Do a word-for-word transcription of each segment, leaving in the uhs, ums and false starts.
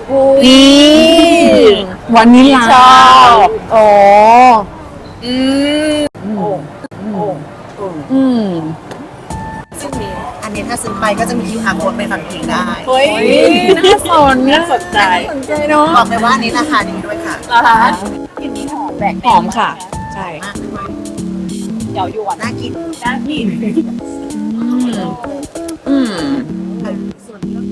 นี่วานิลลาชอบโอ้อืมโอ้โอ้อืมซึ่งมีอันนี้ถ้าซื้อไปก็จะมี คิว อาร์ code ไปฟังเพลงได้เฮ้ยน่าสนน่าสนใจสนใจเนาะบอกเลยว่าอันนี้ราคาดีด้วยค่ะนะคะกลิ่นนี้หอมแบกหอมค่ะ ใช่มากด้วยเดี๋ยวยวนน่ากินน่ากินอืมส่วนนี้ก็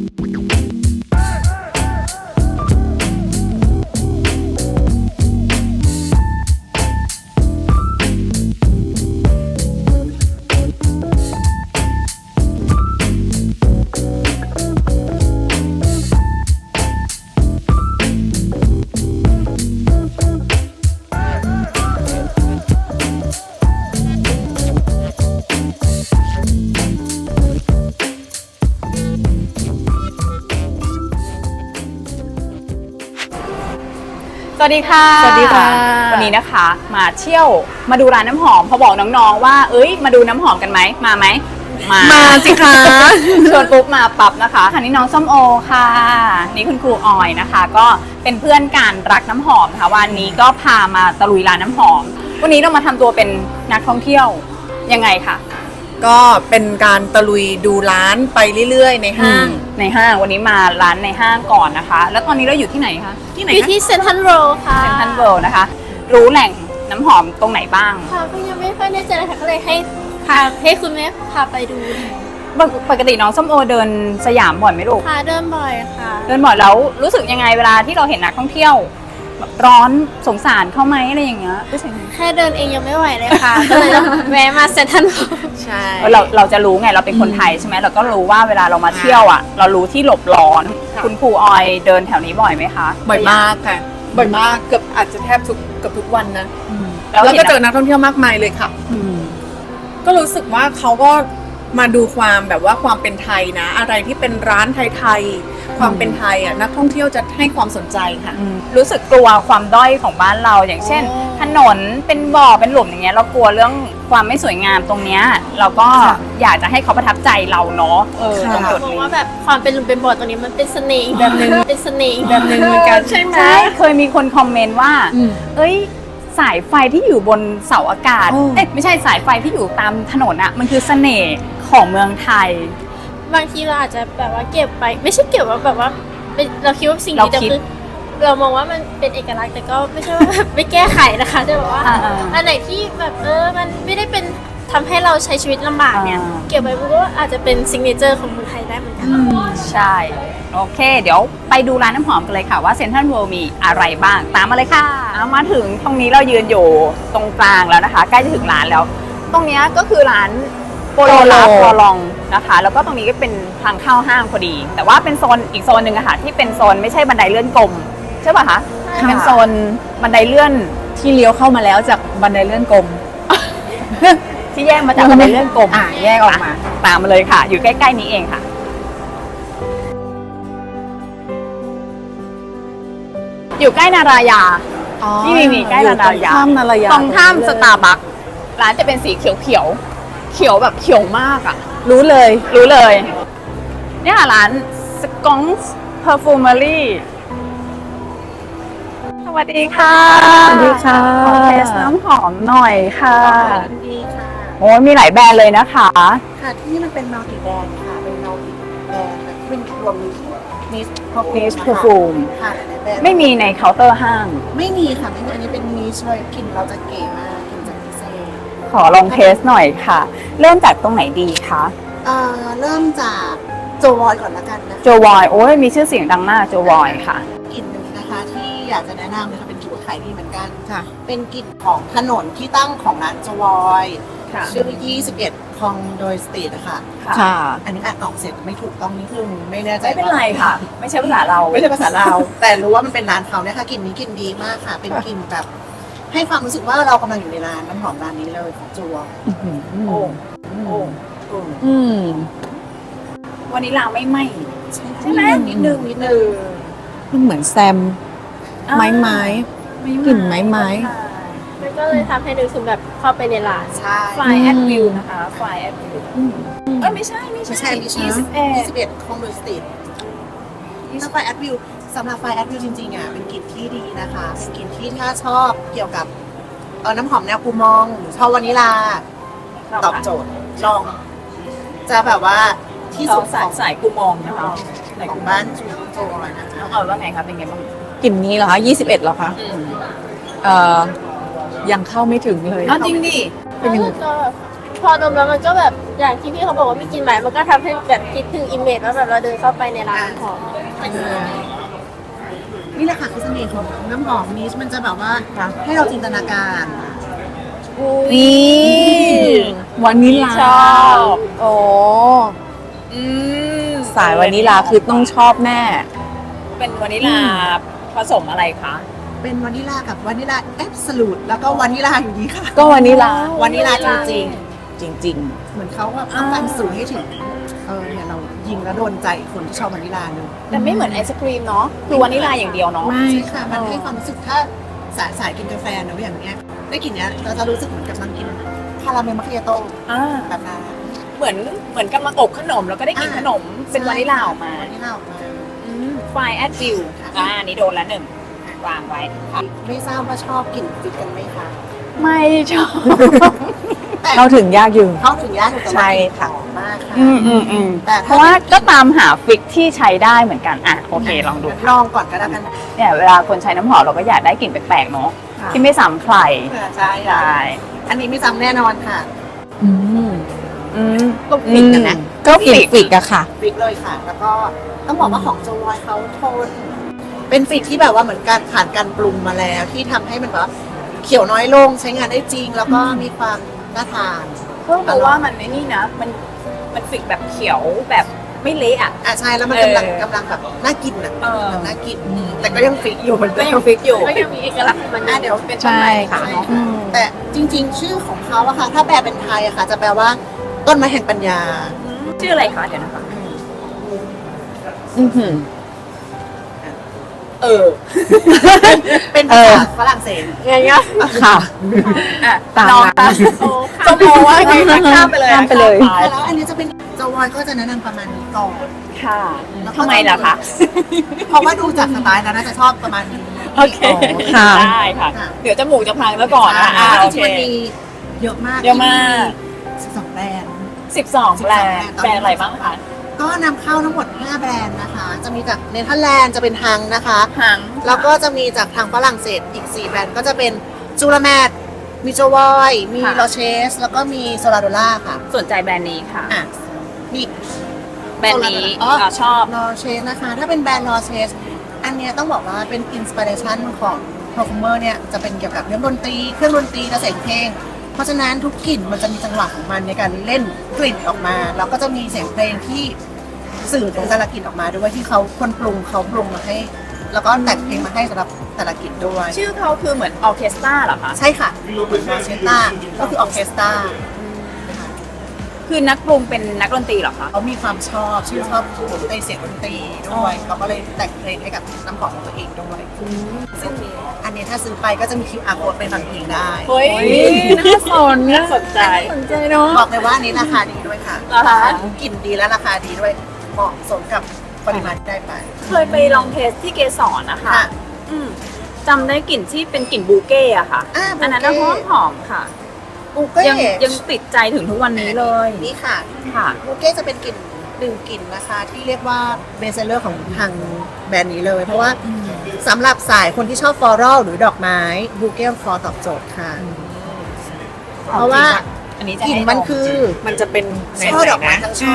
สวัสดีค่ะสวัสดีค่ะวันนี้นะคะมาเที่ยวมาดูร้านน้ำหอมพอบอกน้องๆว่าเอ้ยมาดูน้ำหอมกันไหมมาไหมมามาสิคะชวนปุ๊บมาปั๊บนะคะค่ะนี่น้องส้มโอค่ะนี่คุณครูออยนะคะ ก็เป็นเพื่อนกันรักน้ำหอมค่ะวันนี้ก็พามาตะลุยร้านน้ำหอม วันนี้เรามาทำตัวเป็นนักท่องเที่ยวยังไงคะก็เป็นการตะลุยดูร้านไปเรื่อยๆ ในห้างในห้างวันนี้มาร้านในห้างก่อนนะคะ แล้วตอนนี้เราอยู่ที่ไหนคะที่ไหนอยู่คะที่เซ็นทรัลโรค่ะเซ็นทรัลเวิลด์นะคะ รู้แหล่งน้ำหอมตรงไหนบ้างค่ะก็ยังไม่ค่อยแน่ใจเลยค่ะก็เลยให้พาให้คุณแม่พาไปดูปกปกติน้องส้มโอเดินสยามบ่อยไหมลูกพาเดินบ่อยค่ะเดินบ่อยแล้วรู้สึกยังไงเวลาที่เราเห็นนักท่องเที่ยวแบบร้อนสงสารเขาไหมอะไรอย่างเงี้ยรู้สึกยังไงแค่เดินเองยังไม่ไหวเลยค่ะ ก็เลยต้องแวะมาเซ็นทรัลโรใช่เราเราจะรู้ไงเราเป็นคนไทยใช่ไหมเราก็รู้ว่าเวลาเรามาเที่ยวอ่ะ เรารู้ที่หลบร้อน คุณครูออยเดินแถวนี้บ่อยไหมคะบ่อยมากค่ะ บ่อยมากเกือบอาจจะแทบทุกเกือบทุกวันนะแล้วแล้วเห็ก็นเจอนักท่องเที่ยวมากมายเลยค่ะอืมก็รู้สึกว่าเขาก็มาดูความแบบว่าความเป็นไทยนะ อะไรที่เป็นร้านไทยๆความเป็นไทยอ่ะนักท่องเที่ยวจะให้ความสนใจค่ะรู้สึกกลัวความด้อยของบ้านเราอย่างเช่น ถนนเป็นบ่อเป็นหลุมอย่างเงี้ยเรากลัวเรื่องความไม่สวยงามตรงเนี้ยเราก็ค่ะอยากจะให้เขาประทับใจเราเนาะเออค่ะตรงจุดมองนี้ว่าแบบความเป็นหลุมเป็นบ่อตรงนี้มันเป็นเสน่ห์อีกแบบหนึงเป็นเสน่ห์อีกแบบหนึงเหมือนกันใช่ไหมใช่เคยมีคนคอมเมนต์ว่าอืมเอ้ยสายไฟที่อยู่บนเสาอากาศโอ้เอ๊ะไม่ใช่สายไฟที่อยู่ตามถนนอะมันคือเสน่ห์ของเมืองไทยบางทีเราอาจจะแบบว่าเก็บไป ไม่ใช่เก็บว่าแบบว่าเป็นเราคิดว่าสิ่งเรานี้แต่คิดคือเรามองว่ามันเป็นเอกลักษณ์แต่ก็ไม่ใช่ว่าแบบไม่แก้ไขนะคะแต่แบบว่าอ่าๆอันไหนที่แบบเออมันไม่ได้เป็นทำให้เราใช้ชีวิตลำบากเนี่ยอ่าเก็บไว้มันก็อาจจะเป็นซิงเกิลเจอร์ของคนไทยได้เหมือนกันใช่ โอเค เดี๋ยวไปดูร้านน้ำหอมกันเลยค่ะว่าเซ็นทรัลเวิลด์มีอะไรบ้าง ตามมาเลยค่ะเอามาถึงตรงนี้เรายืนอยู่ตรงกลางแล้วนะคะ ใกล้จะถึงร้านแล้ว ตรงเนี้ยก็คือร้านโปโลลาฟอลองนะคะ แล้วก็ตรงนี้ก็เป็นทางเข้าห้างพอดี แต่ว่าเป็นโซนอีกโซนหนึ่งอะค่ะที่เป็นโซนไม่ใช่บันไดเลื่อนกลมใช่ป่ะคะค่ะเป็นโซนบันไดเลื่อนที่เลี้ยวเข้ามาแล้วจากบันไดเลื่อนกลมที่แยกมาจากบันไดเลื่อนกลมอ่ะแยกออกมาตามมาเลยค่ะ อยู่ใกล้ๆนี้เองค่ะ อยู่ใกล้นารายา นี่มีใกล้อยู่ตรงนารายาข้ามนารายาตรงข้ามสตาร์บัคร้านจะเป็นสีเขียวเขียวๆเขียวแบบเขียวมากอ่ะรู้เลยรู้เลย เนี่ยค่ะร้านสกองส์เพอร์ฟูมอรี่สวัสดีค่ะสวัสดีค่ะขอเทสน้ำหอมหน่อยค่ะดีค่ะโอ้ยมีหลายแบรนด์เลยนะคะค่ะที่นี่มันเป็นมัลติแบรนด์ค่ะ เป็นมัลติแบรนด์แบบเป็นรวมนิส Niche Perfume ค่ะหลายๆแบรนด์ไม่มีในเคาน์เตอร์ห้างไม่มีค่ะไม่มีอันนี้เป็นนิชเลยกลิ่นเราจะเก๋มากกลิ่นจะพิเศษขอลองเทสหน่อยค่ะ เริ่มจากตรงไหนดีคะเอ่อเริ่มจากโจวอยก่อนละกันนะคะโจวอยโอ้ยมีชื่อเสียงดังมากโจวอยค่ะกลิ่นหนึ่งนะคะที่อยากจะแนะนำนะคะเป็นกลิ่นขายดีเหมือนกันค่ะเป็นกลิ่นของถนนที่ตั้งของร้านโจวอยค่ะชื่อ ยี่สิบเอ็ด คองโดยสตรีทนะคะค่ะอันนี้อ่านออกเสียงไม่ถูกต้องนิดนึงไม่แน่ใจไม่เป็นไรค่ะ ไม่ใช่ภาษาเราไม่ใช่ภาษาลาว แต่รู้ว่ามันเป็นร้านเขาเนี่ยค่ะกลิ่นนี้กลิ่นดีมากค่ะ เป็นกลิ่นแบบ ให้ความรู้สึกว่าเรากำลังอยู่ในร้านน้ำหอมร้านนี้เลยของจัวโอ้โอ้อืมวันนี้ลาไม่ไหมใช่ไหมนิดนึงนิดนึงมันเหมือนแซม ไม้ไม้ กลิ่นไม้ไม้มันก็เลยทำให้นึกถึงแบบเข้าไปในร้านใช่ไฟแอดวิวนะคะไฟแอดวิวเอ้ยไม่ใช่ไม่ไม่ใช่ใช่ไม่ใช่ยี่สิบเอ็ดยี่สิบเอ็ดคองโดยสตรีทถ้าไฟแอดวิวสำหรับไฟแอดวิวจริงๆอ่ะเป็นกลิ่นที่ดีนะคะเป็นกลิ่นที่ถ้าชอบเกี่ยวกับเออน้ำหอมแนวกูมองหรือชอบวานิลาตอบโจทย์ลอง จะแบบว่าที่สุดขสาอย งสายกูมองนะคะของบ้านจูโจนะคะน้องเอาว่าไงคะเป็นไงบ้างกลิ่นนี้เหรอคะยี่สิบเอ็ดเหรอคะอืมเอ่อยังเข้าไม่ถึงเลยอ้าวจริงดิเป็นยังไงแล้วก็พอดมแล้วมันก็แบบอย่างที่พี่เขาบอกว่ามีกลิ่นใหม่มันก็ทำให้แบบคิดถึงอิมเมจว่าแบบเราเดินเข้าไปในร้านน้ำหอมนี่แหละค่ะคือเสน่ห์ของน้ำหอมนิชมันจะแบบว่าให้เราจินตนาการนี่วานิลาชอบโอ้อืมสายวานิลาคือต้องชอบแน่เป็นวานิลาผสมอะไรคะเป็นวานิลากับวานิลาแอบสูตแล้วก็วานิลาอยู่ดีค่ะก็วานิลาวานิลาจริงจริงๆ เหมือนเขาแบบต้องการสื่อให้ถึงเออเนี่ยเรายิงแล้วโดนใจคนที่ชอบวานิลาเลยแต่ไม่เหมือนไอศครีมเนาะคือวานิลาอย่างเดียวเนาะไม่ใช่ค่ะมันให้ความรู้สึกถ้าสายสายกินกาแฟเนอะอย่างเนี้ยได้กลิ่นเนี้ยเราจะรู้สึกเหมือนกับนั่งกินคาราเมลมัคคิอาโต้อ่าแบบนั้นเหมือนเหมือนกำลังอบขนมแล้วก็ได้กลิ่นอ่าขนมเป็นวานิลาออกมาวานิลาออกมาไฟแอดวิวอ่าอันนี้โดนแล้วหนึ่งวางไว้ค่ะไม่ทราบว่าชอบกลิ่นฟิตกันไหมคะไม่ชอบแต่ๆ เข้าถึงยากอยู่เข้าถึงยากอยู่แต่ว่าใช่ค่ะหอมมากค่ะอืมอืมอืมแต่เพถ้าราะว่าก็ตามหาฟิกที่ใช้ได้เหมือนกันอ่ะโอเคลองดูลองก่อนก็แล้วกันเนี่ยเวลาคนใช้น้ำหอมเราก็อยากได้กลิ่นแปลกๆเนาะที่ไม่ซ้ำใครใช่ใช่อันนี้ไม่ซ้ำแน่นอนค่ะอืมอืมก็ฟิกกันนะก็ฟิกฟิกอะค่ะฟิกเลยค่ะ แล้วก็ต้องบอกว่าของโจวอยเขาโทน เป็นฟิกที่แบบว่าเหมือนการผ่านการปรุงมาแล้ว ที่ทำให้มันแบบว่าเขียวน้อยลงใช้งานได้จริง แล้วก็มีความน่าทานเพิ่มเพราะว่ามันในนี่นะ มันมันฟิกแบบเขียวแบบไม่เละอ่ะอ่ะใช่แล้วมันเออกำลังกำลังแบบน่ากินอ่ะเออน่ากิน แต่ก็ยังฟิกอยู่เหมือนก็เดิยังมฟิกอยู่ก็ยังมีเอกลักษณ์ของมันอ่ะเดี๋ยวเป็นต้นไม้ค่ะใช่เนาะอืมแต่จริง ๆ ชื่อของเขาอะค่ะ ถ้าแปลเป็นไทยอะค่ะ จะแปลว่าต้นไม้แห่งปัญญาชื่ออะไรคะเดี๋ยวนะคะอือหือเออเป็นเอภาอษาฝรั่งเศสไงเงี้ยค่ะอ่ะตามน้องนั้คะนโอ้จะค่ะมองว่าไงคะข้ามไปเลยข้ามไปเลยข้ามแล้วอันนี้จะเป็นโจวอยก็จะแนะนำประมาณนี้ก่อนค่ะแล้วก็ทำไมล่ะคะเพราะว่าดูจากสไตล์แล้วน่าจะชอบประมาณนี้โอเคค่ะได้ค่ะค่ะเดี๋ยวจมูกจะพังแล้วก่อนนะอ่าอ่าโอจเคริงๆมันมีเยอะมากเยอะมากสิบสองแบรนด์สิบสองแบรนด์สิบสองแบรนด์อะไรบ้างคะก็นำเข้าทั้งหมดห้าแบรนด์นะคะ จะมีจากเนเธอร์แลนด์จะเป็นฮังนะคะหางแล้วก็จะมีจากทางฝรั่งเศสอีกสี่แบรนด์ก็จะเป็นจูราแมดมีโจวอย มีโรเชส แล้วก็มีโซลาโดล่าค่ะสนใจแบรนด์นี้ค่ะอ่ะมีอีกแบรนด์นี้อ๋ออ่าชอบลอเชสนะคะ ถ้าเป็นแบรนด์ลอเชส อันเนี้ยต้องบอกว่าเป็นอินสปิเรชันของ perfumer เนี่ยจะเป็นเกี่ยวกับเรื่องดนตรี เครื่องดนตรีและเสียงเพลง เพราะฉะนั้นทุกกลิ่นมันจะมีจังหวะของมันในการเล่นกลิ่นออกมา แล้วก็จะมีเสียงเพลงที่สื่อถึงแต่ละกลิ่นออกมาด้วยที่เขาคนปรุงเขาปรุงมาให้ แล้วก็แต่งเพลงมาให้สำหรับแต่ละกลิ่นด้วยชื่อเขาคือเหมือนออร์เคสตราเหรอคะใช่ค่ะเหมือนออร์เคสตราก็คือออร์เคสตราคือนักปรุงเป็นนักดนตรีเหรอคะเขามีความชอบชื่นชอบในเสียงดนตรีด้วยเขาก็เลยแต่งเพลงให้กับน้ำหอมของตัวเองด้วยซึ่งอันนี้ถ้าซื้อไปก็จะมี คิว อาร์ code ไปฟังเพลงได้เฮ้ยน่าสนน่าสนใจสนใจเนาะบอกเลยว่าอันนี้ราคาดีด้วยค่ะเหรอคะกลิ่นดีและราคาดีด้วยเหมาะสมกับปริมาณที่ได้ไปเคยไปลองเทสที่เกสรนะคะค่ะอืมจำได้กลิ่นที่เป็นกลิ่นบูเก้อะค่ะอ่าอันนั้นน่ะหอมหอมๆค่ะบูเก้ยังยังติดใจถึงทุกวันนี้เลยนี่ค่ะค่ะบูเก้จะเป็นกลิ่นหนึ่งกลิ่นนะคะ ที่เรียกว่าเบสเซอร์ของทางแบรนด์นี้เลย เพราะว่าสำหรับสายคนที่ชอบฟลอรัลหรือดอกไม้บูเก้ฟลอตอบโจทย์ค่ะ เพราะว่าอันนี้จะกลิ่นให้มันลงคือมันจะเป็นช่อดอกไม้ทั้งช่อ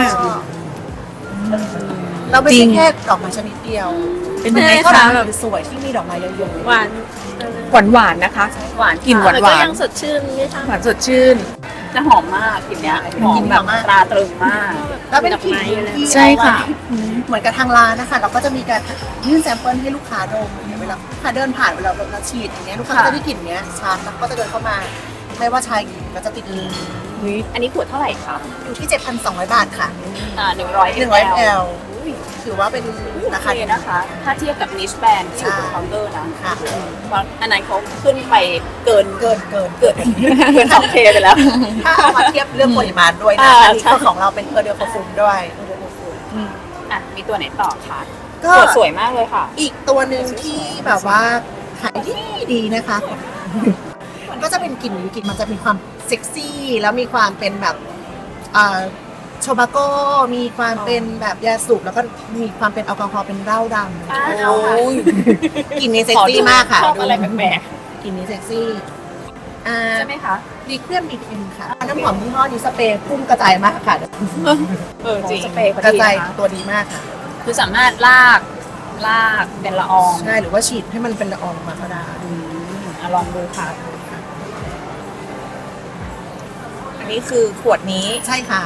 เราไม่จริใช่งแค่ดอกไม้ชนิดเดียวเป็นยังไงช่อดคะอกไม้สวยๆที่มีดอกไม้เยอะๆหวานหวานหวานๆนะคะหวานกลิ่นหวานแต่ก็ยังสดชื่นไม่ใช่หวานสดชื่นจะหอมมากกลิ่นเนี้ยหอมแบบตราตรึงมากแล้วเป็นกลิ่นที่ใช่ค่ะเหมือนกับทางร้านนะคะเราก็จะมีการยื่นแซมเปิลให้ลูกค้าดมเนี่ยเวลาลูกค้าเดินผ่านเวลาเราฉีดอย่างเงี้ยลูกค้าก็จะได้กลิ่นเนี้ยชัดแล้วก็จะเดินเข้ามา ไม่ว่าชายหญิงก็จะติดมืออันนี้ขวดเท่าไหร่คะอยู่ที่ เจ็ดพันสองร้อย บาทค่ะอ่าหนึ่งร้อยหนึ่งร้อย แอล ถือว่าเป็นราราคาคาดีดีนะคะ ถ้าเทียบกับนิชแบนที่อยู่บนเคาน์เตอร์นะค่ะเพราะอันนั้นเขาขึ้นไปเกินเกินเกินเกินเกินสองเคไปแล้วถ้าเอามาเทียบเรื่องปริมาณด้วยนะอ่าอันนี้ใช่ก็ของเราเป็นเพอร์เดอร์ฟอร์ฟูมด้วยอ่ะ มีตัวไหนต่อคะก็สวยสวยมากเลยค่ะอีกตัวหนึ่งที่แบบว่าขายดีดีนะคะ ก็จะเป็นกลิ่นนี้กลิ่นมันจะมีความเซ็กซี่ แล้วมีความเป็นแบบอ่าโชบาโก้มีความเป็นแบบยาสูบแล้วก็มีความเป็นแอลกอฮอล์เป็นเหล้าดำอ่าโอ้ยกลิ่นนี้เซ็กซี่มากค่ะชอบอะไรแปลกกลิ่นนี้เซ็กซี่อ่าๆใช่ไหมคะดีเครื่องมีกลิ่นค่ะน้ำหอมยี่ห้อนี้สเปรย์พุ่งกระจายมากค่ะเออจริงสเปรย์เขากระดีจายนะคะตัวดีมากค่ะคือสามารถลากลากเป็นละอองใช่หรือว่าฉีดให้มันเป็นละอองมาก็ได้อืมอ่ะลองดูค่ะอันนี้คือขวดนี้ใช่ค่ะ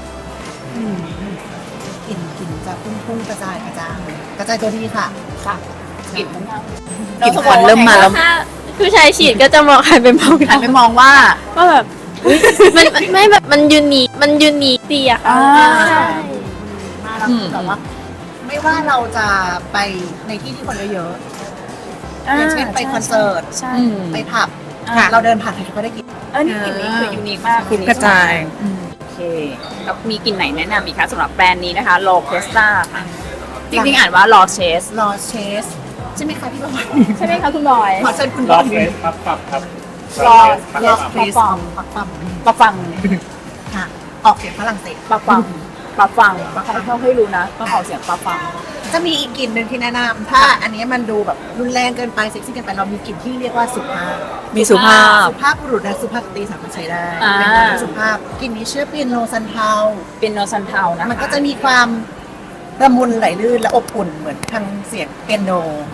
กลิ่นกลิ่นจะพุ่งพุ่งกระจายกระจายกระจายตัวดีค่ะค่ะกลิ่นมันมากกลิ่นควันเริ่มมาแล้วถ้าผู้ชายฉีดก็จะมองหันไปมองหันไปมองว่าว่าแบบมันมันไม่แบบมันยูนิคมันยูนิคดีอะค่ะอ่าใช่มาแล้วอืมแต่ว่า ไม่ว่าเราจะไปในที่ที่คนเยอะๆอย่างเช่นไปคอนเสิร์ตใช่อืมไปผับค่ะเราเดินผ่านใครก็ได้กินเออนี่กลิ่นนี้คือยูนิคมากคือกระจายโอเคแล้วมีกลิ่นไหนแนะนำอีกคะสำหรับแบรนด์นี้นะคะ l o c e s t a ค่ะจริงๆอ่านว่า l o c e s รอเชสใช่ไหมคะพี่บอยใช่ไหมคะคุณบอยขอเชิญคุณบรออย บเฟสปั๊บปั๊บครับรอรอ Yes เฟสปะฟังปักปั๊มปะฟังค่ะ ออกเสียงฝรั่งเศสปะฟังปะฟังเขาเขาให้รู้นะต้องออกเสียงปะฟังจะมีอีกกลิ่นหนึ่งที่แนะนำถ้าอันนี้มันดูแบบรุนแรงเกินไปเซ็กซี่เกินไปเรามีกลิ่นที่เรียกว่าสุภาพมีสุภาพสุภาพบุรุษและสุภาพสตรีสามารถใช้ได้อ่าเป็นกลิ่นที่สุภาพกลิ่นนี้ชื่อเปียโนซันเทาเป็นโนซันเทานะคะมันก็จะมีความละมุนไหลลื่นและอบอุ่นเหมือนทางเสียงเปียโนโอ้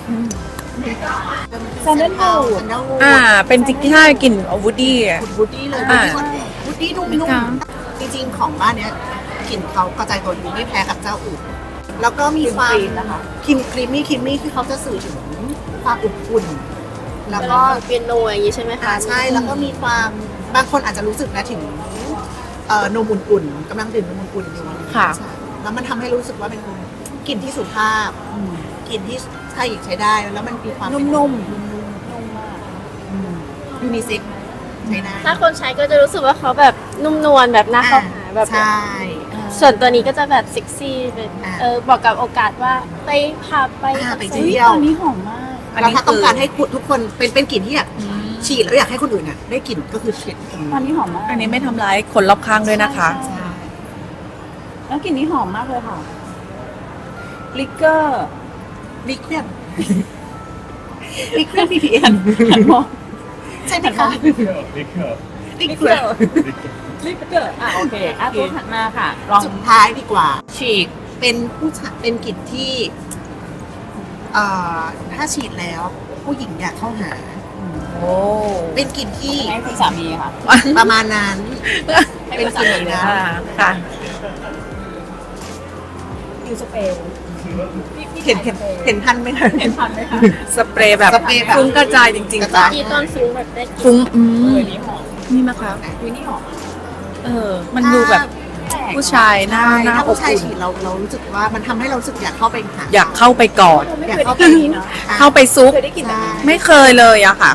ซันเทา Sandalwood ซันเทาอ่า เป็นจิกที่ห้ากลิ่นอวูดี้อ่ะคุณวูดดี้เลยอ่าวูดดี้นุ่ไม่มกล้าๆจริงๆของบ้านเนี้ยกลิ่นเขากระจายตัวดีไม่แพ้กับเจ้าอื่นแล้วก็มีความครีมนะคะครีมครีมมี่ครีมมี่ที่เขาจะสื่อถึงความอบอุ่น แล้วก็เปียโนอย่างนี้ใช่ไหมอ่าคะใช่แล้วก็มีความบางคนอาจจะรู้สึกนะถึงเอ่อนมอุ่นๆกำลังดื่มนมอุ่นๆอยู่ค่ะใช่แล้วมันทำให้รู้สึกว่าเป็นกลิ่นที่สุภาพกลิ่นที่ใช้หญิงใช้ได้แล้วมันมีความเป็นนุ่มยูนิเซ็กใช้ได้ถ้าคนใช้ก็จะรู้สึกว่าเขาแบบนุ่มนวลแบบน่าเข้าหาแบบใช่ส่วนตัวนี้ก็จะแบบเซ็กซี่เป็นอ่าเออบอกกับโอกาสว่าไปผับไปอ่าไปคอนเที่เสิร์ตยวอันนี้หอมมากอันแล้วนี้ถ้าต้องคือการให้คุณทุกคนเป็นเป็นกลิ่นที่อยากฉีดแล้วอยากให้คนอื่นอ่ะได้กลิ่นก็คือฉีดตรงอันนี้นี้หอมมากอันนี้ไม่ทำร้ายคนรอบข้างด้วยนะคะใช่แล้วกลิ่นนี้หอมมากเลยค่ะลิกเกอร์ลิเคียนลิเคียนพีพีเอ็นหันมองใช่ไหมคะลิเกอร์ลิเกอร์ลิเคียนลิกเกอร์อ่ะโอเคอ่ะตัวถัดมาค่ะ ลองสุดท้ายดีกว่าฉีกเป็นผู้ชายเป็นกลิ่นที่เอ่อถ้าฉีดแล้วผู้หญิงอยากเข้าหาโอ้เป็นกลิ่นที่ให้คุณสามีค่ะประมาณนั้นให้เป็นคุณกสาลิ่นมีนะอ่าค่ะยูสเปรย์เห็นเห็นเห็นทันไหมคะเห็นทันไหมคะสเปรย์แบบสเปรย์แบบฟุ้งกระจายจริงกระๆจาจ้ะยที่ต้นฟุ้งแบบได้กลิ่นฟุ้งอืเอมอนี่หอมนี่นะคะวินี่หอมเออ มันดูแบบผู้ชายหน้าใช่หน้าถ้าอบผู้ชายอุ่นฉีดเราเรารู้สึกว่ามันทำให้เรารู้สึกอยากเข้าไปหาอยากเข้าไปกอดไม่อยากเคยเข้าได้ไปกลิ่นนี้เนาะเข้าไปซุกเคยได้กลิ่นแบบนี้ไม่เคยเลยอะค่ะ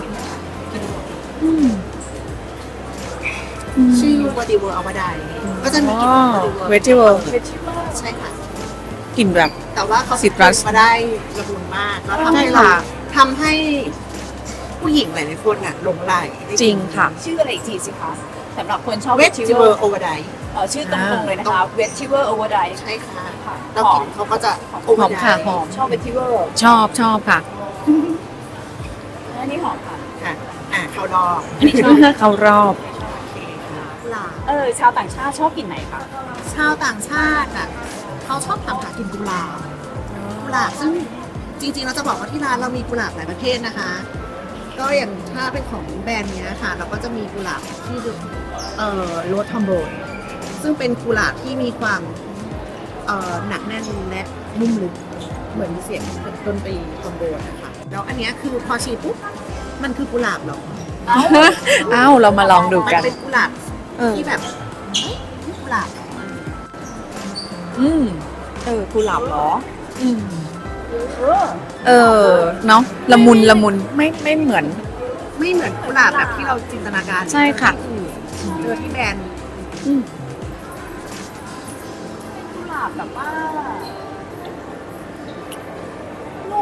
ชื่อวอดีเวอร์เอามาได้ก็จะมีกลิ่นอ๋อวอดีเวอร์เวจิเวอร์ใช่ค่ะกลิ่นแบบแต่ว่าเขาซิตรัสมาได้ละมุนมากแล้วทำให้ใช่เราค่ะทำให้ผู้หญิงหลายๆคนอ่ะหลงไหลจริงค่ะชื่ออะไรอีกทีสิคะสำหรับคนชอบเวทจิเวอร์โอเวอร์ไดเอ่อชื่อตรงๆเลยนะคะเวทชิเวอร์โอเวอร์ไดใช่ค่ะค่ะแล้วหกอลิ่มนเขาก็จะโอเวหออมร์ไดค่ะหอมชอบเวทชิเวอร์ชอบชอบค่ะอันนี้หอมค่ะค่ะอ่าเขาดอกอันนี้ชอบเขารอบกุหลาบเออชาวต่างชาติชอบกลิ่นไหนคะชาวต่างชาติอ่ะเขาชอบทำหากลิ่นกุหลาบกุหลาบซึ่งจริงๆเราจะบอกว่าที่ร้านเรามีกุหลาบหลายประเภทนะคะ ก็อย่างถ้าเป็นของแบรนด์เนี้ยค่ะ เราก็จะมีกุหลาบที่เอ่อโรสทอมโบยซึ่งเป็นกุหลาบที่มีความเอ่อหนักแน่นและนุ่มลึกเหมือนเสียงดนตรีทอมโบยนะคะแล้วอันเนี้ยคือพอฉีดปุ๊บมันคือกุหลาบเหรอเอ้าเรามาลองดูมันกันเป็นกุหลาบเออที่แบบเฮ้ยนี่กุหลาบเหรออืมเออกุหลาบเหรออืมเออเออ เนาะละมุนละมุนไม่ไม่เหมือนไม่เหมือนกุหลาบแบบที่เราจินตนาการใช่ค่ะเจอที่แบรนด์กุหลาบแบบว่า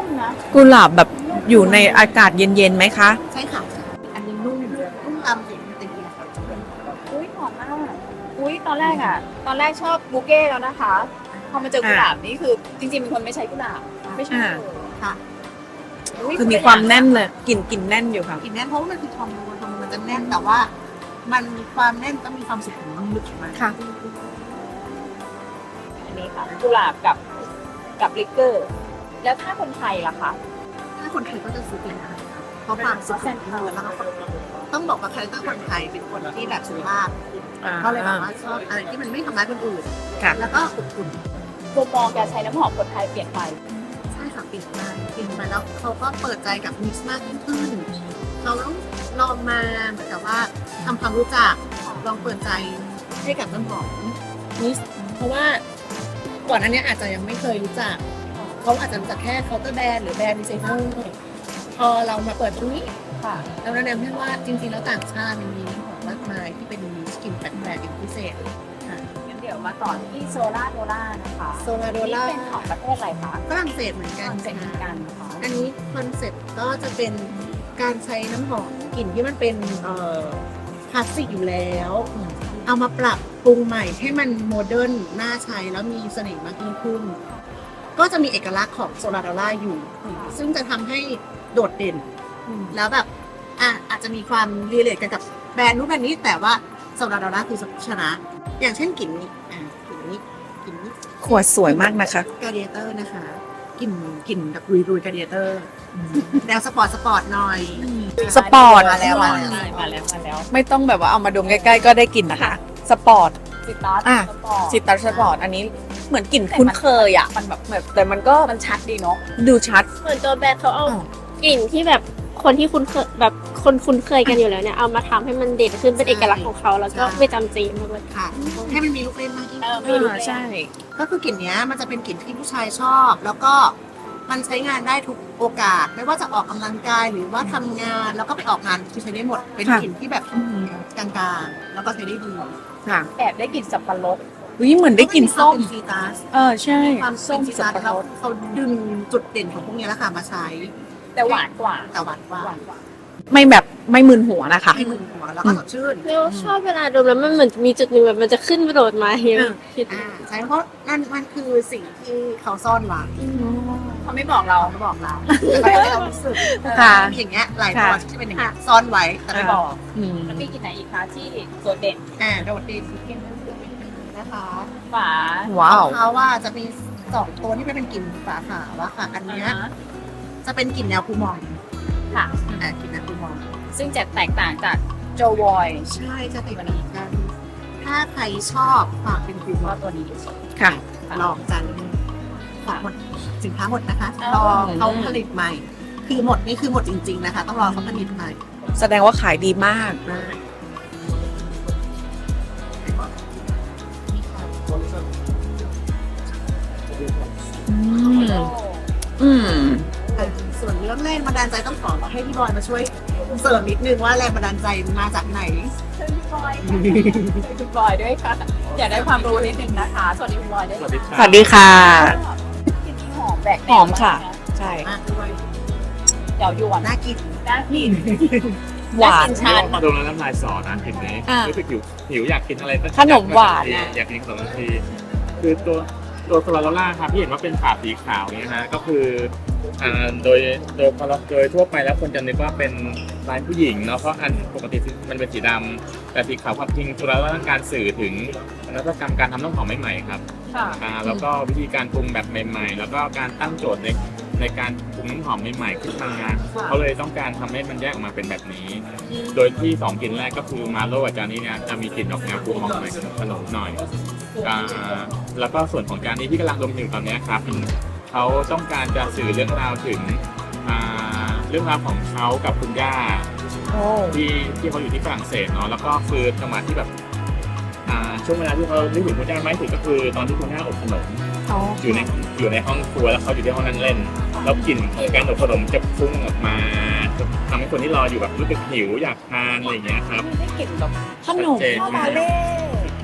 มนะกุหลาบแบบอยู่ในอากาศเย็นๆไหมคะใช่ค่ะ อันนี้นุ่มนุ่มตามสีมันตีค่ะอุ้ยหอมมากอุ้ยตอนแรกอ่ะ ตอนแรกชอบบูเก้แล้วนะคะ พอมาเจอกุหลาบนี่คือจริงๆเป็นคนไม่ใช้กุหลาบ ไม่ชอบอ่าเลยค่ะยคือมีความแน่นเลยกลิ่นกลิ่นแน่นอยู่ค่ะกลิ่นแน่นเพราะว่ามันคือทองม้วนทองม้วนมันจะแน่นแต่ว่า มันมีความแน่นก็มีความสุขุมลึกของมันค่ะอันนี้ค่ะกุหลาบกับกับลิกเกอร์ แล้วถ้าคนไทยล่ะคะถ้าคนไทยก็จะซื้อเป็นอะไรคะเพราะความสุขุมลึกแล้วก็ต้องบอกว่าคาแรคเตอร์คนไทยเป็นคนที่แบบสุภาพเขาเลยแบบว่าชอบอะไรที่มันไม่ทำร้ายคนอื่นค่ะแล้วก็อบอุ่นมุมมองการใช้น้ำหอมคนไทยเปลี่ยนไปใช่ค่ะเปลี่ยนไปเปลี่ยนไปแล้วเขาก็เปิดใจกับมิกซ์มากยิ่งขึ้นเราต้องลองมาเหมือนกับว่าทำความรู้จักลองเปิดใจให้กับน้ำหอมมิกซ์เพราะว่าก่อนอันเนี้ยอาจจะยังไม่เคยรู้จักเขาอาจจะรู้จักแค่เคาน์เตอร์แบรนด์หรือแบรนด์ดีไซเนอร์พอเรามาเปิดตรงนี้ค่ะเราแนะนำให้ว่าจริงๆแล้วต่างชาติมันมีน้ำหอมมากมายที่เป็นมิกซ์กลิ่นแปลกๆเป็นพิเศษค่ะงั้นเดี๋ยวมาต่อที่โซล่าโดล่านะคะโซลาโดล่านี่เป็นของประเทศอะไรคะฝรั่งเศสเหมือนฝกันรั่งเศสเหมือนค่ะกันนะคะอันนี้คอนเซ็ปต์ก็จะเป็นการใช้น้ำหอมกลิ่นที่มันเป็นเอ่อคลาสสิกอยู่แล้ว เอามาปรับปรุงใหม่ให้มันโมเดิร์นน่าใช้แล้วมีเสน่ห์มากยิ่งขึ้น ก็จะมีเอกลักษณ์ของโซลาดอล่าอยู่ ซึ่งจะทำให้โดดเด่น แล้วแบบอ่ะอาจจะมีความรีเลทกันกับแบรนด์นู้นแบรนด์นี้ แต่ว่าโซลาดอล่าคือชนะ อย่างเช่นกลิ่นนี้อ่ะกลิ่นนี้กลิ่นนี้ขวดสวยมากนะคะกาเดียเตอร์นะคะกลิ่นกลิ่นแบบรุยๆกาเดียเตอร์แนวสปอร์ตสปอร์ตหน่อยสปอร์ตมาแล้วมาแล้วใช่มาแล้วมาแล้วไม่ต้องแบบว่าเอามาดมใกล้ๆก็ได้กลิ่นนะคะ สปอร์ตซิตัสอ่ะสปอร์ตซิตัสสปอร์ตอันนี้เหมือนกลิ่นคุ้นเคยอ่ะมันแบบแบบแต่มันก็มันชัดดีเนาะดูชัดเหมือนตัวแบรนด์เขาเอาอ้าวกลิ่นที่แบบคนที่คุ้นเคยแบบคนคุ้นเคยกันอยู่แล้วเนี่ยเอามาทำให้มันเด่นขึ้นเป็นเอกลักษณ์ของเขาแล้วก็ไม่จำเจมากเลยค่ะ ให้มันมีลูกเล่นมากยิ่งเออขึ้นมีลูกเล่นใช่ก็คือกลิ่นเนี้ยมันจะเป็นกลิ่นที่ผู้ชายชอบ แล้วก็มันใช้งานได้ทุกโอกาส ไม่ว่าจะออกกำลังกายหรือว่าทำงานแล้วก็ไปออกงานคือใช้ได้หมด เป็นค่ะกลิ่นที่แบบกลางๆ แล้วก็ใช้ได้ดีค่ะแอบได้กลิ่นสับปะรดวิเหมือนได้กลิ่นส้มเป็นซีตัสเออใช่ความส้ส้มมซีสัตับสปะรเขาดเขาดึงจุดเด่นของพวกนี้แหละค่ะมาใช้แต่หวานกว่าแต่หวานกว่าหวานกว่าไม่แบบไม่มึนหัวนะคะให้มึนหัวแล้วก็สดชื่นเรียกว่าชอบเวลาดมแล้วมันเหมือนมีจุดหนึ่งแบบมันจะขึ้นกระโดดมาอย่างเงี้ยเออคิดอ่าใช่เพราะนั่นมันคือสิ่งที่เขาซ่อนไว้เขาไม่บอกเราเขาบอกเราแต่ไม่เรารู้สึกค่ะมีอย่างเงี้ยหลายตัวค่ะที่จะเป็นอย่างเงี้ยซ่อนไว้แต่ไม่บอกอืมแล้วมีกลิ่นไหนอีกคะที่โดดเด่นอ่าโดดเด่นที่เป็นนะคะฝาว้าวเขาว่าจะมีสองตัวที่เป็นกลิ่นฝาขาวอะค่ะ อันเนี้ยอ่าฮะจะเป็นกลิ่นแนวคูมองค่ะอ่ากลิ่นแนวคูมองซึ่งจะแตกต่างจากโจวอยใช่จะติดเหมือนกัน ถ้าใครชอบฝากเป็นคูมก็องตัวนี้ค่ะลองจันของหมดสินค้าหมดนะคะอ๋อรอเขาผลิตใหม่ คือหมดนี่คือหมดจริง ๆนะคะ ต้องรอเขาผลิตใหม่แสดงว่าขายดีมากนะนี่ค่ะอืม อืมอ่ะส่วนเรื่องแรงบันดาลใจต้องขอให้พี่บอยมาช่วยเสริมนิดนึงว่าแรงบันดาลใจมาจากไหนเชิญคุณบอยค่ะเชิญคุณบอยด้วยค่ะ อยากได้ความรู้นิดนึงนะคะ สวัสดีคุณบอยด้วยสวัสดีคสรับวัสดีค่ะกลิ่นนี้หอมแบกแนวหอมค่ะากนใช่มากด้วยเดี๋ยวยวนน่ากินน่ากินหวานน่กิชันมาดมแล้วน้ำลายสอนะเห็นไหมอ่ารู้สึกหิวหิวอยากกินอะไรสักขนมหวานนะอยากกินขนมทันทีคือตัวตัวโซลาโลล่าครับพี่เห็นว่าเป็นฝาสีขาวเนี่ยนะก็คืออ่าโดยโดยโดยทั่วไปแล้วคนจะนึกว่าเป็นลายผู้หญิงเนาะเพราะอันปกติมันเป็นสีดำแต่สีขาวความจริงโซลาโลล่าต้องการสื่อถึงนวัตกรรมการทำน้ำหอมใหม่ๆครับค่ะอ่าแล้วก็วิธีการปรุงแบบใหม่ๆ แล้วก็การตั้งโจทย์ในในการปรุงน้ำหอมใหม่ๆขึ้นมาเขาเลยต้องการทำให้มันแยกออกมาเป็นแบบนี้ โดยที่สองกลิ่นแรกก็คือมาโลกับจานนี้เนี่ยจะมีกลิ่นออกแนวปรุงหอมหน่อยขนมหน่อยอ่าแล้วก็ส่วนของจานนี้ที่กำลังดมอยู่ตอนเนี้ยครับเขาต้องการจะสื่อเรื่องราวถึงอ่าเรื่องราวของเขากับคุณย่าโอ้ที่ที่เขาอยู่ที่ฝรั่งเศสเนาะแล้วก็คือจังหวะที่แบบอ่าช่วงเวลาที่เขานึกถึงคุณย่ามากที่สุดก็คือตอนที่คุณย่าอบขนม อยู่ในอยู่ในห้องครัวแล้วเขาอยู่ที่ห้องนั่งเล่น แล้วกลิ่นของการอบขนมจะฟุ้งออกมาจะทำให้คนที่รออยู่แบบรู้สึกหิวอยากทานอะไรอย่างเงี้ยครับได้กลิ่นแบบขนมชัดเจนมากเล่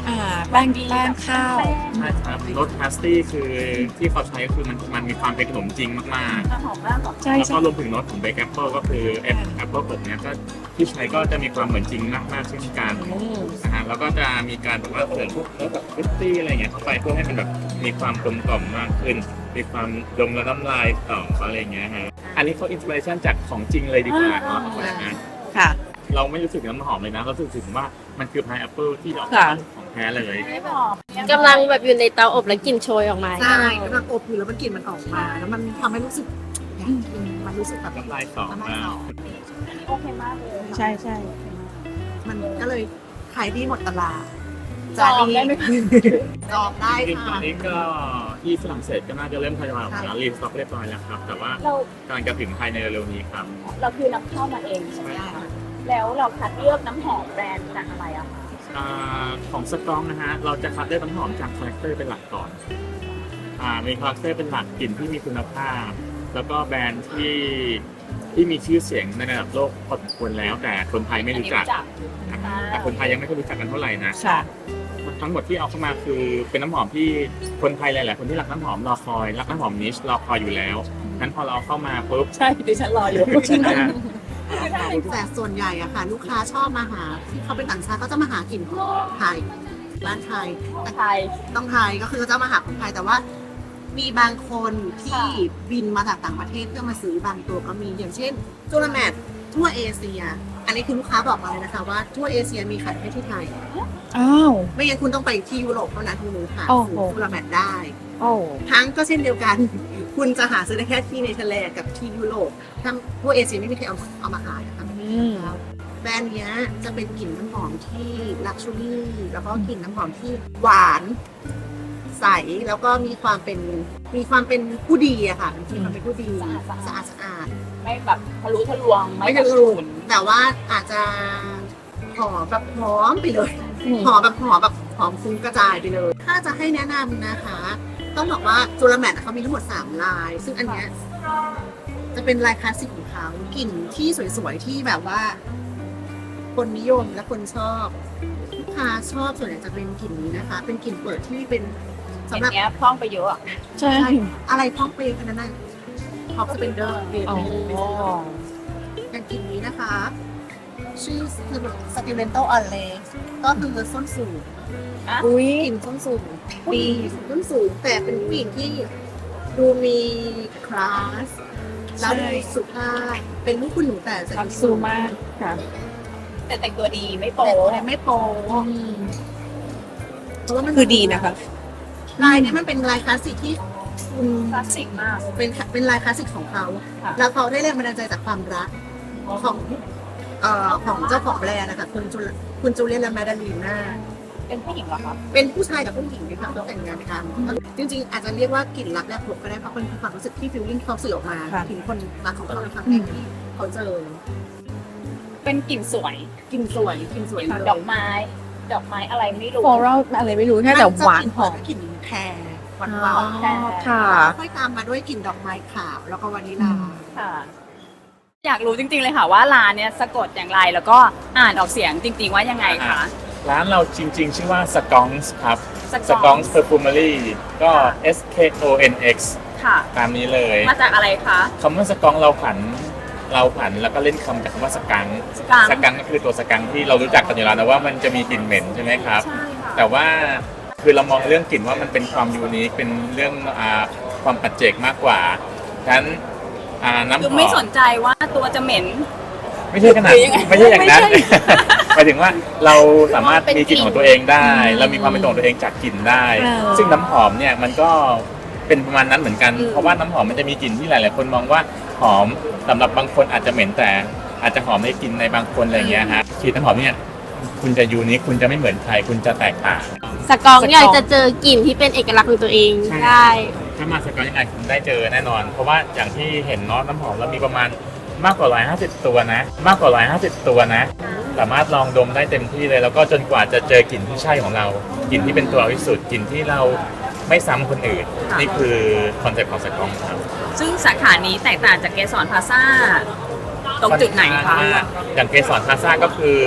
อ่าแป้งแป้งข้าวใช่ครับรสพาสตี้คือที่เขาใช้ก็คือมันมันมีความเป็นขนมจริงมากๆหอมมากหรอใช่แล้วใช่ก็รวมถึงรสของเบคแอปเปิลก็คือแอปแอปเปิลอบเนี่ยก็ที่ใช้ก็จะมีความเหมือนจริงมากมากๆเช่นกันนะฮะแล้วก็จะมีการแบบว่าเสริมพวกรสแบบฟรุตตี้อะไรเงี้ยเข้าไปเพื่อให้มันแบบมีความกลมกล่อมมากขึ้น มีความดมและน้ำลายต่ออะไรเงี้ยฮะอันนี้เขาอินสปิเรชันจากของจริงเลยดีกว่าเนาะเพราะฉะนั้นค่ะเราไม่รู้สึกน้ำหอมเลยนะเรารู้สึกถึงว่ามันคือพายแอปเปิลที่เราค่ะของแท้เลยไม่บอกกำลังแบบอยู่ในเตาอบแล้วกลิ่นโชยออกมาใช่กำลังอบอยู่แล้วมันกลิ่นมันออกมา แล้วมันทำให้รู้สึกอยากกินมันรู้สึกแบบน้ำลายต่อน้ำลายมาต่อโอเคมากเลยใช่ใช่มันก็เลยขายดีหมดตลาดจองได้ไหมคะจองได้จริงๆตอค่ะนนี้ก็ที่ฝรั่งเศสก็น่าจะเริ่มทยอยออกมารีสต็อกเรียบร้อยแล้วครับ แต่ว่าเรากำลังจะถึงภายในเร็วๆนี้ครับเราคือนำเข้ามาเองใช่ไหมคะแล้วเราคัดเลือกน้ำหอมแบรนด์จากอะไรอะคะอ่าของสตรองนะฮะ เราจะคัดได้น้ำหอมจากคาแรคเตอร์เป็นหลักก่อนอ่ามีคาแรคเตอร์เป็นหลักกลิ่นที่มีคุณภาพ แล้วก็แบรนด์ที่ที่มีชื่อเสียงในระดับโลกพอสมควรแล้ว แต่คนไทยไม่รู้จักนะครับแต่คนไทยยังไม่ค่อยรู้จักกันเท่าไหร่นะค่ะทั้งหมดที่เอาเข้ามาคือเป็นน้ำหอมที่คนไทยหลายๆคนที่รักน้ำหอมรอคอยรักน้ำหอมนิชรอคอยอยู่แล้วงั้นพอเราเอาเข้ามาปุ๊บใช่ดิฉันรออยู่นะฮะแต่ส่วนใหญ่อะค่ะ ลูกค้าชอบมาหาที่เขาเป็นต่างชาติก็จะมาหากลิ่นของไทยร้านไทยไทยต้องไทยก็คือจะมาหาคนไทยแต่ว่ามีบางคนที่บินมาจากต่างประเทศเพื่อมาซื้อบางตัวก็มีอย่างเช่นจูลาแมททั่วเอเชีย อันนี้คือลูกค้าบอกมาเลยนะคะว่าทั่วเอเชียมีขายแค่ที่ไทยอ้าวไม่งั้นคุณต้องไปที่ยุโรปเท่านั้นถึงจะหาโอ้ซื้โหอจูลาแมทได้โอ้ทั้งก็เช่นเดียวกัน คุณจะหาซื้อได้แค่ที่เนเธอร์แลนด์กับที่ยุโรปทั้งทั่วเอเชียไม่มีใครเอาเอามาขายนะคะอืมแบรนด์เนี้ยจะเป็นกลิ่นน้ำหอมที่ลักชัวรี่แล้วก็กลิ่นน้ำหอมที่หวานใสแล้วก็มีความเป็นมีความเป็นผู้ดีอะค่ะมีความเป็นผู้ดีสะอาดสะอาดไม่แบบทะลุทะลวงไม่แบบทะลุแต่ว่าอาจจะหอมแบบหอมไปเลยหอมแบบหอมแบบหอมฟุ้งกระจายไปเลย ถ้าจะให้แนะนำนะคะ ต้องบอกว่าจูลาแมทเขามีทั้งหมดสามลาย ซึ่งอันเนี้ยจะเป็นลายคลาสสิกของเขากลิ่นที่สวยๆที่แบบว่า คนนิยมและคนชอบลูกค้าชอบส่วนใหญ่จะเป็นกลิ่นนี้นะคะ เป็นกลิ่นเปิดที่เป็นสำหรับเนี้ยพร่องไปเยอะอะใช่อะไรพ้องเปรย์ขนาดนั้นท็อปสเปนเดอร์เปรย์อ๋ออย่างกลิ่นนี้นะคะ ชื่อคือสติเลนโตออนเลก็คือส้นสูงอุ้ยกลิ่นส้นสูงปีส้นสูง แต่เป็นผู้หญิงที่ดูมีคลาสแล้วดูสุภาพเป็นลูกคุณหนูแต่ใส่รักซูมากค่ะแต่แต่งตัวดีไม่โป๊โป๊ะไม่โป๊ะเพราะว่ามันคือดีนะคะลายเนี้มันเป็นลายคลาสสิกที่คุณคลาสสิกมากเป็นเป็นลายคลาสสิกของเขาค่ะแล้วเขาได้แรงบันดาลใจจากความรักของเอ่อของเจ้าของแบรนด์นะคะคุณจูลคุณจูเลียนและแมดาลีน่าเป็นผู้หญิงเหรอคะเป็นผู้ชายกับผู้หญิงที่ทำแต่งงานกันจริงๆ อาจจะเรียกว่ากลิ่นรักแรกพบก็ได้เพราะเป็นความรู้สึกที่ฟิลลิ่งเขาสื่อออกมาค่ะถึงคนรักของเขาในครั้งแรกที่เขาเจอเป็นกลิ่นสวยกลิ่นสวยกลิ่นสวยเลยดอกไม้ ดอกไม้อะไรไม่รู้ฟลอรัลอะไรไม่รู้แค่แต่หวานหอมกลิ่นแพรหวานหอ๋วาอน ค่ะค่อยตามมาด้วยกลิ่นดอกไม้ขาวแล้วก็วานิลาค่ะ อยากรู้จริงๆเลยค่ะว่าร้านเนี้ยสะกดอย่างไรแล้วก็อ่านออกเสียงจริงๆว่ายังไงคะร้านเราจริงๆ ชื่อว่า s c o n s ครับ Sconce s c o n s Perfumery ก็ S K O N X ค่ะตามนี้เลยมาจากอะไรคะคำว่าสกองเราผันเราผันแล้วก็เล่นคำจากคำว่าสกังสกังสกังก็คือตัวสกังที่เรารู้จักกันอยู่แล้วนะว่ามันจะมีกลิ่นเหม็นใช่ไหมครับใช่ค่ะแต่ว่าคือเรามองเรื่องกลิ่นว่ามันเป็นความยูนิคเป็นเรื่องอ่าความปัจเจกมากกว่าฉะนั้นอ่าน้ำหคืออมไม่สนใจว่าตัวจะเหม็นไม่ใช่ขนาดหรือยังไงไม่ใช่อย่างนั้นไม่ใช่หมายถึงว่าเราสามารถเป็นมีกลิ่นกลิ่นของตัวเองได้อืมเรามีความเป็นตัวของตัวเองจากกลิ่นได้เออซึ่งน้ำหอมเนี่ยมันก็เป็นประมาณนั้นเหมือนกันอืมเพราะว่าน้ำหอมมันจะมีกลิ่นที่หลาย ๆ คนมองว่าหอมสำหรับบางคนอาจจะเหม็นแต่อาจจะหอมในกลิ่นในบางคนอะไรอย่างเงี้ยฮะกลิ่นน้ำหอมเนี่ยคุณจะยูนิคคุณจะไม่เหมือนใครคุณจะแตกต่างสกองอยากจะเจอกลิ่นที่เป็นเอกลักษณ์ของตัวเองใช่ได้ถ้ามาสกอตยังไงคุณได้เจอแน่นอน เพราะว่าอย่างที่เห็นเนาะน้ำหอมเรามีประมาณมากกว่าหนึ่งร้อยห้าสิบตัวนะ มากกว่าหนึ่งร้อยห้าสิบตัวนะ สามารถลองดมได้เต็มที่เลย แล้วก็จนกว่าจะเจอกลิ่นที่ใช่ของเรากลิ่นที่เป็นตัวเราที่สุดกลิ่นที่เราไม่ซ้ำคนอื่นค่ะนี่คือคอนเซ็ปต์ของสกอตครับซึ่งสาขานี้แตกต่างจากเกสรพลาซ่าตรงจุดไหนคะอย่างเกสรพลาซ่าก็คือ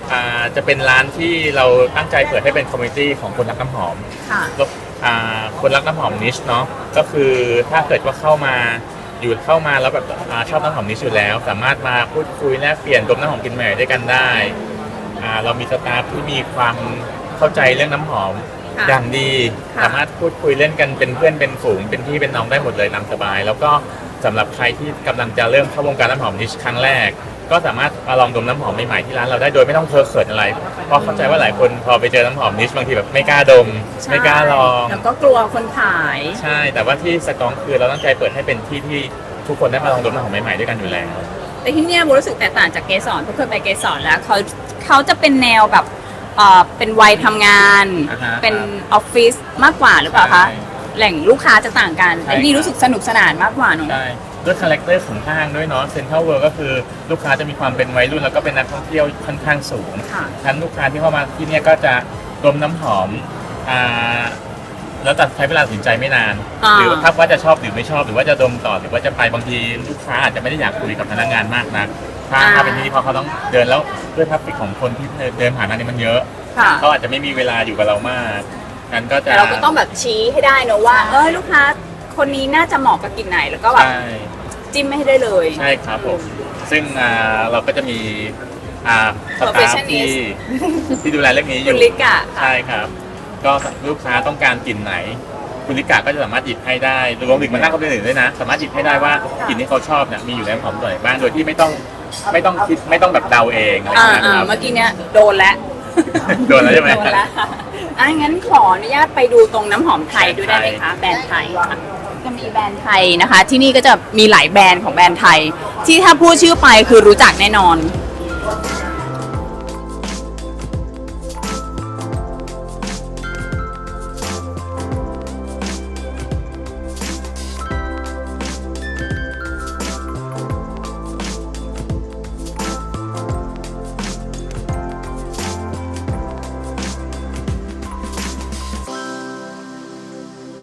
อ่าจะเป็นร้านที่เราตั้งใจเปิดให้เป็นคอมมูนิตี้ของคนรักน้ำหอมค่ะแล้วอ่าคนรักน้ำหอมนิชเนาะก็คือถ้าเกิดว่าเข้ามาอยู่เข้ามาแล้วแบบอาชอบน้ำหอมนิชอยู่แล้ว สามารถมาพูดคุยแลกเปลี่ยนดมน้ำหอมกลิ่นใหม่ด้วยกันได้อ่าเรามีสตาฟที่มีความเข้าใจเรื่องน้ำหอมค่ะอย่างดีค่ะสามารถพูดคุยเล่นกันเป็นเพื่อนเป็นฝูงเป็นพี่เป็นน้องได้หมดเลยนำสบาย แล้วก็สำหรับใครที่กำลังจะเริ่มเข้าวงการน้ำหอมนิชครั้งแรก ก็สามารถมาลองดมน้ำหอมใหม่ๆที่ร้านเราได้โดยไม่ต้องเคอะเขินอะไร เพราะเข้าใจว่าหลายคนพอไปเจอน้ำหอมนิชบางทีแบบไม่กล้าดม ไม่กล้าลองแล้วก็กลัวคนขายใช่ แต่ว่าที่สกองคือเราตั้งใจเปิดให้เป็นที่ที่ทุกคนได้มาลองดมน้ำหอมใหม่ๆด้วยกันอยู่แล้วแต่ที่เนี่ยโบรู้สึกแตกต่างจากเกสรทุกคนไปเกสรแล้วเขาเขาจะเป็นแนวแบบเอ่อเป็นวัยทำงานอ่าฮะเป็นออฟฟิศมากกว่าหรือเปล่าคะใช่แหล่งลูกค้าจะต่างกันใช่แต่ที่นี่รู้สึกสนุกสนานมากกว่าเนอะใช่ด้วยคาแรคเตอร์ของห้างด้วยเนาะเซ็นทรัลเวิลด์ก็คือลูกค้าจะมีความเป็นวัยรุ่นแล้วก็เป็นนักท่องเที่ยวค่อนข้างสูงค่ะทั้นลูกค้าที่เข้ามาที่เนี่ยก็จะดมน้ำหอมอ่าแล้วตัดใช้เวลาตัดสินใจไม่นานอ่าหรือถ้าว่าจะชอบหรือไม่ชอบหรือว่าจะดมต่อหรือว่าจะไปบางทีลูกค้าอาจจะไม่ได้อยากคุยกับพนักงานมากนักถ้าถ้าเป็นที่นี่เพราะเขาต้องเดินแล้วด้วยทัฟฟิกของคนที่เดินผ่านร้านนี้มันเยอะค่ะเขาอาจจะไม่มีเวลาอยู่กับเรามากนั้นก็จะแต่เราก็ต้องแบบชี้ให้ได้เนอะว่า เออลูกค้าคนนี้น่าจะเหมาะกับกลิ่นไหนแล้วก็แบบใช่จิ้มไม่ให้ได้เลยใช่ครับผม ซึ่งอ่าเราก็จะมีอ่าสตาฟ Perfectionist ที่ที่ดูแลเรื่องนี้อคุยู่ณลิกะใช่ครับ ก็ลูกค้าต้องการกลิ่นไหน คุณลิกาก็จะสามารถหยิบให้ได้รวมถึงมานั่งเขาด้วยด้วยนะ สามารถหยิบให้ได้ว่ากลิ่นที่เขาชอบเนี่ยมีอยู่ในน้ำหอมตัวไหนบ้างโดยที่ไม่ต้องไม่ต้องคิดไม่ต้องแบบเดาเองอะไรอย่างอ่าเงี้ยอ่าครับเมื่อกี้เนี้ยโดนแล้วโดนแล้วใช่ไหมโดนแล้วค่ะอ่ะงั้นขออนุญาตไปดูตรงน้ำหอมไทยด้วยได้ไหมคะแบรนด์ไทยค่ะจะมีแบรนด์ไทยนะคะ ที่นี่ก็จะมีหลายแบรนด์ของแบรนด์ไทย ที่ถ้าพูดชื่อไปคือรู้จักแน่นอน